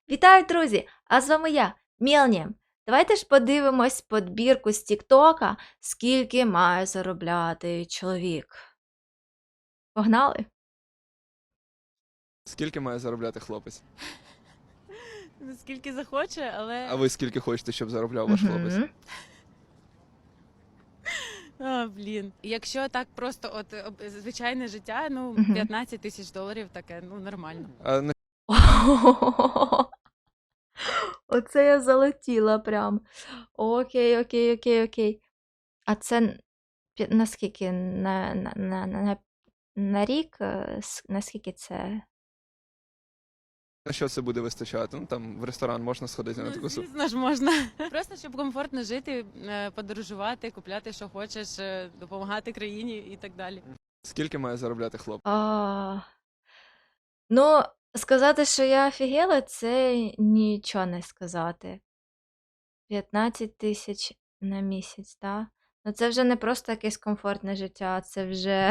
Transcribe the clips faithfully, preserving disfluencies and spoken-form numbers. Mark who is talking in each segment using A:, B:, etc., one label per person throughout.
A: Вітаю, друзі! А з вами я, Мєлні. Давайте ж подивимось подбірку з Тіктока, скільки має заробляти чоловік. Погнали?
B: Скільки має заробляти хлопець?
C: Ну, скільки захоче, але.
B: А ви скільки хочете, щоб заробляв ваш хлопець?
A: Мгм.
C: А, блін. Якщо так просто, от об- звичайне життя, ну,
A: Мгм.
C: п'ятнадцять тисяч доларів таке, ну, нормально.
B: А на
A: Оце я залетіла прям. Окей, окей, окей, окей. А це н- пі- наскільки? На, на, на, на, на рік? Е, с- Наскільки це?
B: на що це буде вистачати? Ну там в ресторан можна сходити на
C: Ну,
B: таку суму.
C: звісно ж, можна. Просто щоб комфортно жити, е, подорожувати, купляти, що хочеш, е, допомагати країні і так далі.
B: Скільки має заробляти хлопець?
A: А, ну, сказати, що я офігела, це нічого не сказати. п'ятнадцять тисяч на місяць, так? Ну це вже не просто якесь комфортне життя, це вже.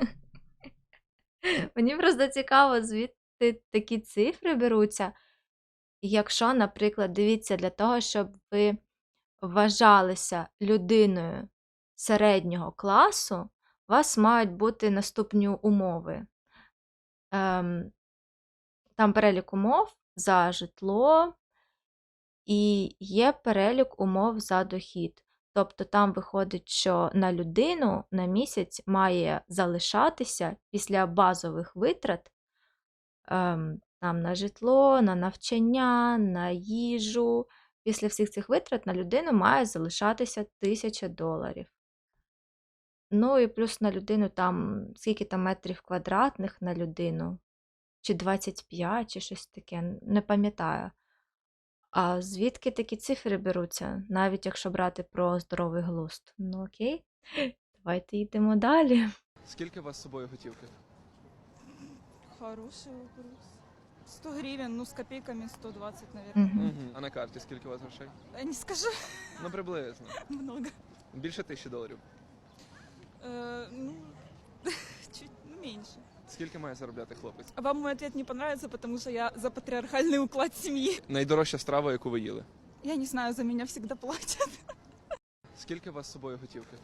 A: Мені просто цікаво, звідти такі цифри беруться. Якщо, наприклад, дивіться, для того, щоб ви вважалися людиною середнього класу, у вас мають бути наступні умови. Ем, Там перелік умов за житло і є перелік умов за дохід. Тобто там виходить, що на людину на місяць має залишатися після базових витрат ем, там, на житло, на навчання, на їжу. Після всіх цих витрат на людину має залишатися тисяча доларів. Ну і плюс на людину там, скільки там метрів квадратних на людину, чи двадцять п'ять, чи щось таке, не пам'ятаю. А звідки такі цифри беруться, навіть якщо брати про здоровий глузд? Ну окей, давайте йдемо далі.
B: Скільки у вас з собою готівки?
D: Хороший вопрос. сто гривен, ну с копейками сто двадцать, наверное.
A: Мгм.
B: Угу. А на карті скільки у вас грошей?
D: Я не скажу
B: Ну приблизно.
D: много.
B: Більше тисячі доларів.
D: Э, ну, чуть ну, меньше.
B: Скільки має заробляти хлопець?
D: А вам мой ответ не понравится, потому что я за патриархальный уклад семьи.
B: Найдорожча страва, яку ви їли.
D: Я не знаю, за меня всегда платят.
B: Скільки у вас з собою готівки?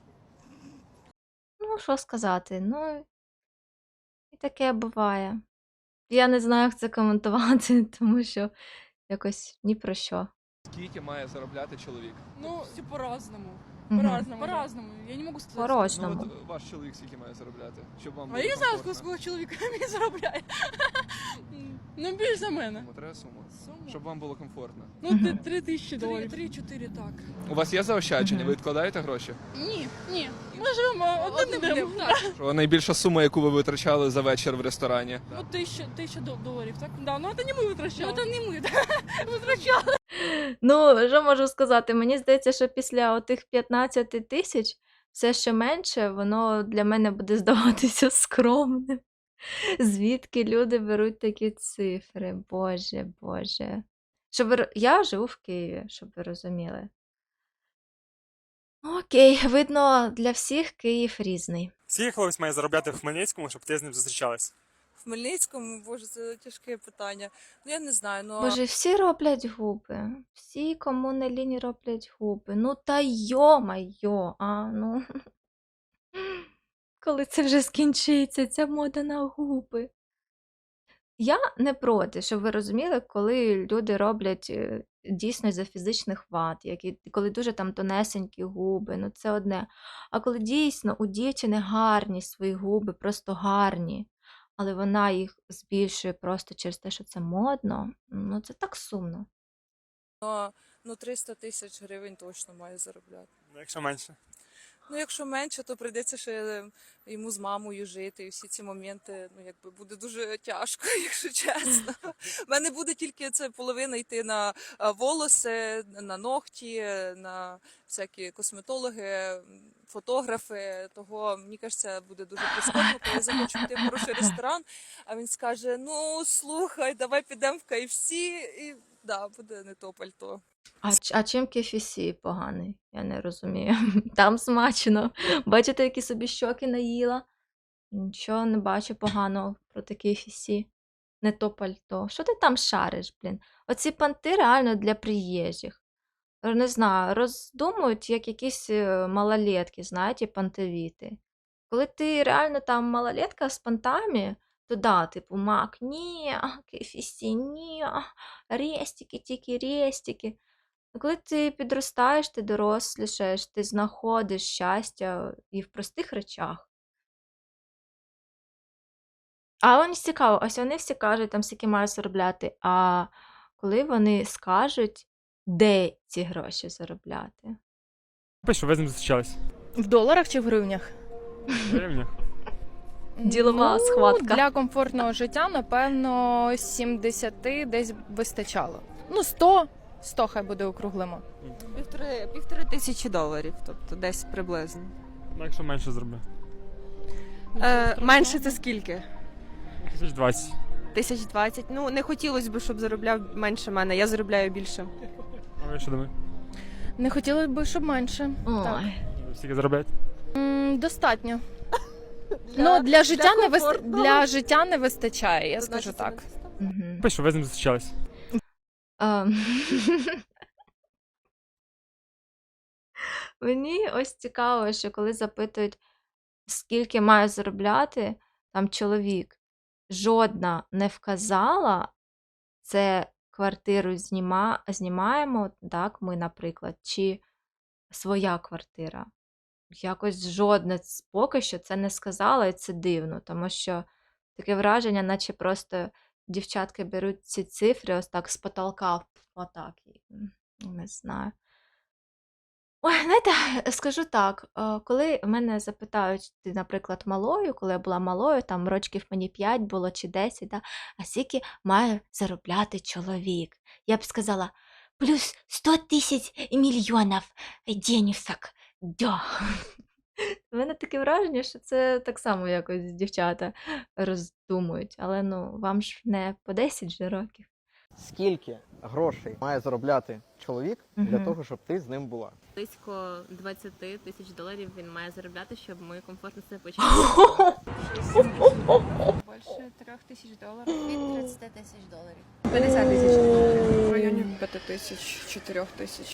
A: Ну, що сказати, ну, і таке буває. Я не знаю, як це коментувати, тому що якось ні про що.
B: Скільки має заробляти чоловік?
E: Ну, все по-разному.
A: Мгм.
E: По-разному. По-разному. Я не могу сказать.
B: Ну
A: По-разному.
B: от ваш чоловік скільки має заробляти? Щоб вам
E: А
B: було
E: я не знаю,
B: комфортно?
E: скільки чоловік мені заробляє. Ну, більше за мене.
B: Суму, треба суму.
E: Суму?
B: Щоб вам було комфортно.
E: Ну, ти- три тисячі доларів. Три-чотири, так.
B: У вас є заощадження?
A: Мгм.
B: Ви відкладаєте гроші?
E: Ні, ні. Ми живемо одним днем. Так.
B: Що найбільша сума, яку ви витрачали за вечір в ресторані?
E: Ну, тисяча, тисяча дол- доларів, так? Да, ну це не ми витрачали. Ну, це не ми, так. Витрачали.
A: Ну, що можу сказати? Мені здається, що після отих п'ятнадцяти тисяч все ще менше, воно для мене буде здаватися скромним. Звідки люди беруть такі цифри? Боже, Боже. Щоб ви... ро- Я живу в Києві, щоб ви розуміли. Окей, видно, для всіх Київ різний.
F: Скільки хлопець має заробляти в Хмельницькому, щоб ти з ним зустрічалась?
G: В Хмельницькому, боже, це тяжке питання. Ну я не знаю, ну
A: Боже, всі роблять губи. Всі, кому не лінь, роблять губи. Ну та йо-майо, а ну. Коли це вже скінчиться, ця мода на губи. Я не проти, щоб ви розуміли, коли люди роблять е, дійсно за фізичних вад, які, коли дуже там тонесенькі губи, ну це одне. А коли дійсно у дівчини гарні свої губи, просто гарні, але вона їх збільшує просто через те, що це модно, ну це так сумно.
G: ну триста тисяч гривень точно має заробляти.
F: Ну, якщо менше.
G: Ну якщо менше, то прийдеться ще йому з мамою жити, і всі ці моменти, ну якби буде дуже тяжко, якщо чесно. У мене буде тільки це половина йти на а, волоси, на ногті, на всякі косметологи, фотографи. Того мені кажеться, буде дуже прискорбно, коли я захочу піти в хороший ресторан, а він скаже: ну слухай, давай підемо в кей еф сі, і да, буде не то пальто.
A: А, ч- а чим кей еф сі поганий? Я не розумію. Там смачно. Бачите, які собі щоки наїла? Нічого не бачу поганого про кей еф сі. не то пальто. Що ти там шариш, блін? Оці понти реально для приїжджих. Е, Не знаю, роздумують, як якісь е, малолетки, знаєте, понтовіти. Коли ти реально там малолетка з понтами, то да, типу, мак, ні, кефісі, ні, рестики, тільки рестики. А коли ти підростаєш, ти дорослішаєш, ти знаходиш щастя і в простих речах. А вони цікаво, ось вони всі кажуть, там скільки мають заробляти, а коли вони скажуть, де ці гроші заробляти?
F: Пишу, ви з ним зустрічались.
H: В доларах чи в гривнях?
F: В гривнях.
A: Ділова
H: ну,
A: схватка.
H: Для комфортного життя, напевно, сімдесят десь вистачало. Ну, сто, сто хай буде округлимо.
G: Півтори, півтори тисячі доларів, тобто десь приблизно.
F: Ну, якщо менше зроблю.
I: Е, менше це скільки?
F: Тисяч двадцять.
I: Тисяч двадцять. Ну, не хотілося б, щоб заробляв менше мене. Я заробляю більше.
F: А ви що думаєте?
H: Не хотілося б, щоб менше. Так.
A: Ой.
F: Ви Скільки заробляєте?
H: М, достатньо. ну, для життя,
G: для
H: не вист...
G: комфортного.
H: для життя не вистачає, я скажу
G: Значить, це не
H: так.
G: система.
A: Мгм.
F: Пишу, ви з ним зустрічались.
A: Ем. Мені ось цікаво, що коли запитують, скільки має заробляти там чоловік, жодна не вказала, це квартиру зніма, знімаємо, так, ми, наприклад, чи своя квартира. Якось жодне з- поки що це не сказала, і це дивно, тому що таке враження, наче просто дівчатки беруть ці цифри ось так з потолка в- отак. і, м, Не знаю. Ой, знаєте, скажу так, е, коли мене запитають, ти, наприклад, малою, коли я була малою, там рочків мені п'ять було чи десять, да, а скільки має заробляти чоловік? Я б сказала, плюс сто тисяч мільйонів денісок. Да. У мене таке враження, що це так само якось дівчата роздумують, але ну, вам ж не по десять же років.
J: Скільки грошей має заробляти чоловік для
A: Мгм.
J: того, щоб ти з ним була?
K: Близько двадцять тисяч доларів він має заробляти, щоб ми комфортно себе почували.
D: Больше трех тысяч долларов.
E: Від тридцять тисяч доларів.
D: пятьдесят тысяч. В районе пяти тысяч, четырех тысяч.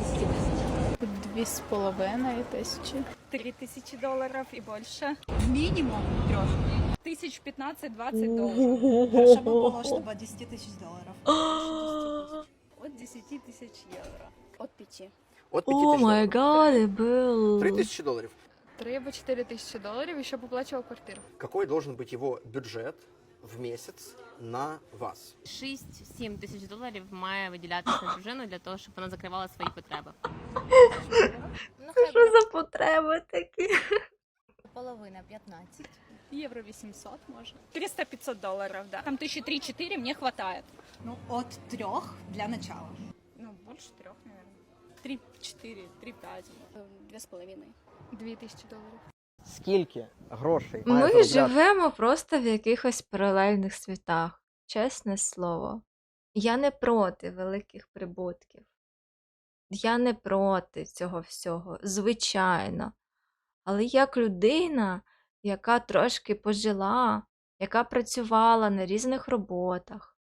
H: Дві з половиною тисячі.
D: Три тысячи долларов и больше. Минимум трех. Тысяч пятнадцать-двадцать долларов.
E: Хорошо би було, щоб від десять тисяч доларів.
D: От десяти тысяч евро.
E: От п'яти.
J: От
A: О май гад, it был.
J: Три тисячі доларів.
H: Три або чотири тисячі доларів і ще оплачував квартиру.
J: Какой должен быть его бюджет в месяц на вас?
K: шість-сім тисяч доларів має виділятися на дружину для того, щоб вона закривала свої потреби.
E: Ну,
A: Це
E: хай
A: що
E: буде
A: за потреби такі?
E: половина, п'ятнадцять.
D: Евро восемьсот, может. триста-пятьсот долларов, да. Там тысячи три-четыре мне хватает.
E: Ну, от трьох для начала.
D: Ну, больше трех, наверное. Три-четыре, три-пять.
E: Дві з половиною.
H: Дві тисячі доларів.
J: Скільки грошей має
A: Ми
J: заробляти?
A: живемо просто в якихось паралельних світах, чесне слово. Я не проти великих прибутків. Я не проти цього всього, звичайно. Але як людина, яка трошки пожила, яка працювала на різних роботах,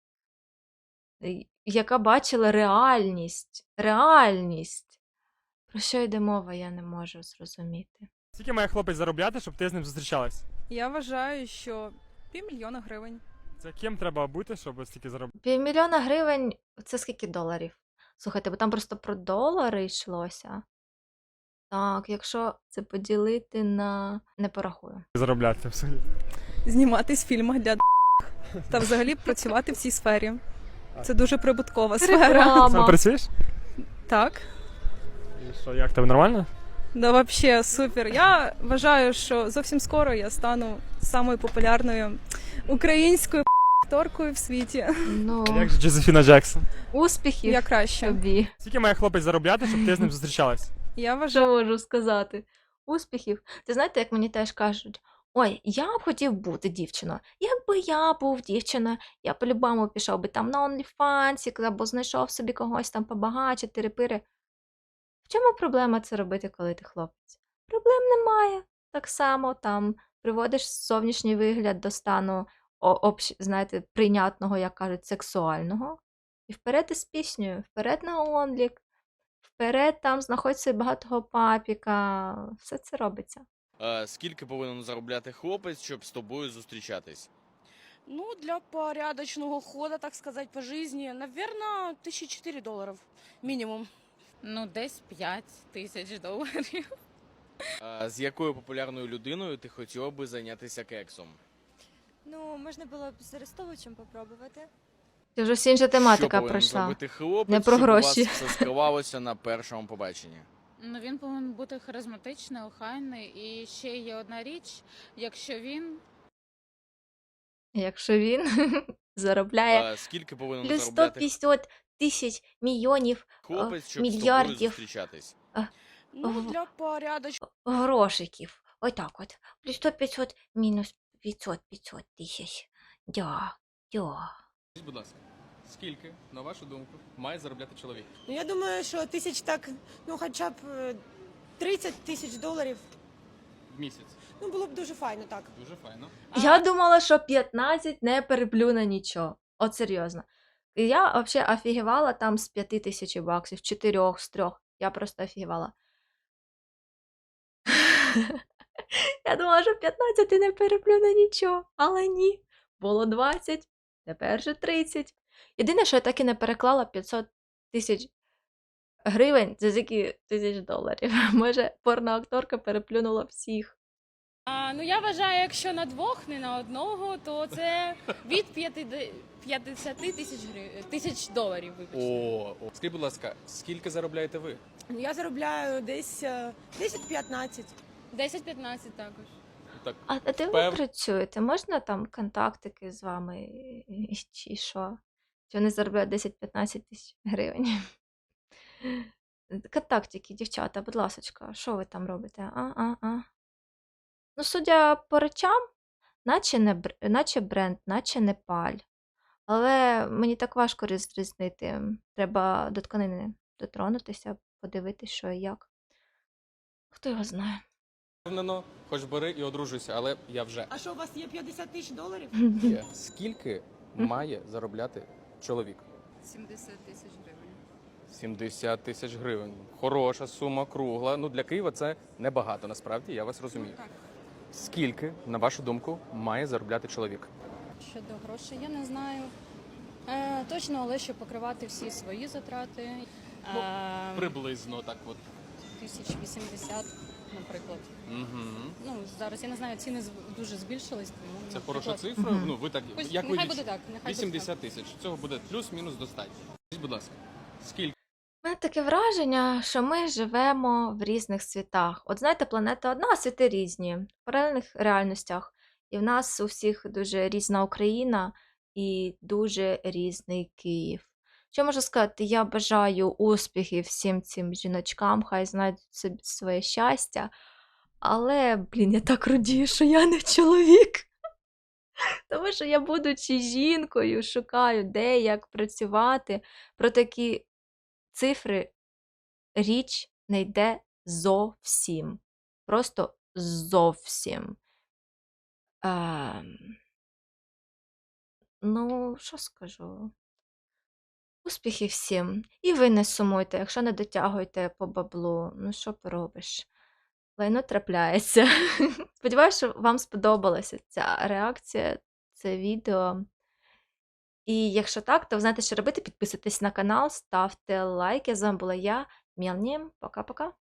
A: і- яка бачила реальність, реальність, про що йде мова, я не можу зрозуміти.
F: Скільки має хлопець заробляти, щоб ти з ним зустрічалась?
D: Я вважаю, що півмільйона гривень.
F: Це ким треба бути, щоб стільки заробляти?
A: Півмільйона гривень це скільки доларів? Слухайте, бо там просто про долари йшлося. Так, якщо це поділити на. Не порахую.
F: Заробляти взагалі.
D: Зніматись в фільмах для та взагалі працювати в цій сфері. Це дуже прибуткова сфера.
A: Реклама.
F: Сам працюєш?
D: Так.
F: І що, як тебе нормально?
D: Да, вообще супер. Я вважаю, що зовсім скоро я стану самою популярною українською акторкою в світі.
A: Ну,
F: А як же Джозефіна Джексон?
A: успіхів
D: Я краще.
A: тобі.
F: Скільки має хлопець заробляти, щоб ти з ним зустрічалась?
D: Я вважаю.
A: Що можу сказати? Успіхів. Ти знаєте, як мені теж кажуть: ой, я б хотів бути дівчиною. Якби я був дівчиною, я по-любому пішов би там на OnlyFans, або знайшов собі когось там побагаче, тири-пири. В чому проблема це робити, коли ти хлопець? Проблем немає. Так само там приводиш зовнішній вигляд до стану о- общ, знаєте, прийнятного, як кажуть, сексуального. І вперед із піснею, вперед на онлік, вперед там знаходь собі багатого папіка. Все це робиться.
L: Е, скільки повинен заробляти хлопець, щоб з тобою зустрічатись?
E: Ну, для порядочного хода, так сказать, по жизни, наверное, тисяча чотири доларів мінімум.
C: Ну, десь п'ять тисяч доларів.
L: Е, з якою популярною людиною ти хотіла би зайнятися кексом?
H: Ну, можна було б з Арестовичем попробувати.
A: Це вже всі інша тематика
L: Що повинен
A: пройшла.
L: зробити хлопець,
A: Не про
L: щоб
A: гроші.
L: у вас все склалося на першому побаченні?
C: Ну, він повинен бути харизматичний, охайний. І ще є одна річ, якщо він
A: Якщо він заробляє
L: Е, скільки повинен
A: плюс сто
L: заробляти
A: п'ятдесят тисяч мільйонів
L: хлопець, щоб з тобою
A: мільярдів.
L: зустрічатись?
E: Ну,
A: В-
E: для порядочного
A: грошиків. Отак от. Плюс сто п'ятсот мінус п'ятсот п'ятсот тисяч. Дя, дя.
B: Скажіть, будь ласка, скільки, на вашу думку, має заробляти чоловік?
E: Ну, я думаю, що тисяч так, ну, хоча б е, тридцять тисяч доларів.
B: В місяць.
E: Ну, було б дуже файно, так.
B: Дуже файно.
A: Я думала, що п'ятнадцять не переплю на нічого. От серйозно. І я взагалі офігівала там з п'яти тисяч баксів, чотирьох, з трьох. Я просто офігівала. Я думала, що п'ятнадцять і не переплю на нічого. Але ні. Було двадцять, тепер же тридцять. Єдине, що я так і не переклала п'ятсот тисяч гривень, це скільки тисяч доларів. Може, порноакторка переплюнула всіх.
E: А, ну, я вважаю, якщо на двох, не на одного, то це від п'ятдесят тисяч гривень, тисяч доларів, вибачте.
B: О, о. Скажіть, будь ласка, скільки заробляєте ви?
E: Ну, я заробляю десь е, десять-п'ятнадцять. десять-п'ятнадцять також.
B: Так,
A: А, а де ви
B: Пев-
A: працюєте? Можна там контактики з вами і- чи що? Чи вони заробляють десять-п'ятнадцять тисяч гривень? Контактики, дівчата, будь ласочка, що ви там робите? А, а, а. Ну, судя по речам, наче, не, бр- наче бренд, наче не паль. Але мені так важко розрізнити. Треба до тканини дотронутися, подивитися, що і як. Хто його знає?
B: впевнено, хоч бери і одружуйся, але я вже.
E: А що, у вас є п'ятдесят тисяч доларів?
B: Є. Скільки має заробляти чоловік?
C: сімдесят тисяч гривень.
B: сімдесят тисяч гривень. Хороша сума, кругла. Ну, для Києва це небагато, насправді, я вас розумію.
C: Так.
B: Скільки, на вашу думку, має заробляти чоловік?
H: Щодо грошей, я не знаю. Е, точно, але щоб покривати всі свої затрати. Е,
B: Приблизно так от.
H: тисяч вісімдесят, наприклад.
B: Угу.
H: Ну, зараз я не знаю, ціни з- дуже збільшились. Тому,
B: Це
H: наприклад,
B: хороша цифра.
A: Мгм.
B: Ну, ви так,
H: Ось,
B: як ви
H: нехай
B: лічите?
H: буде так, нехай буде
B: вісімдесят тисяч. Цього буде плюс-мінус достатньо. Скажіть, будь ласка, скільки?
A: У мене таке враження, що ми живемо в різних світах. От знаєте, планета одна, а світи різні, в паралельних реальностях. І в нас у всіх дуже різна Україна і дуже різний Київ. Що можу сказати? Я бажаю успіхів всім цим жіночкам, хай знайдуть собі своє щастя. Але, блін, я так радію, що я не чоловік. Тому що я, будучи жінкою, шукаю, де, як працювати. Про такі цифри річ не йде зовсім. Просто зовсім. Ем... Ну, що скажу? Успіхів всім. І ви не сумуйте, якщо не дотягуєте по баблу. Ну, що поробиш? Лайно трапляється. Сподіваюся, що вам сподобалася ця реакція, це відео. І якщо так, то ви знаєте, що робити. Підписуйтесь на канал, ставте лайки. З вами була я, Мелні. Пока-пока.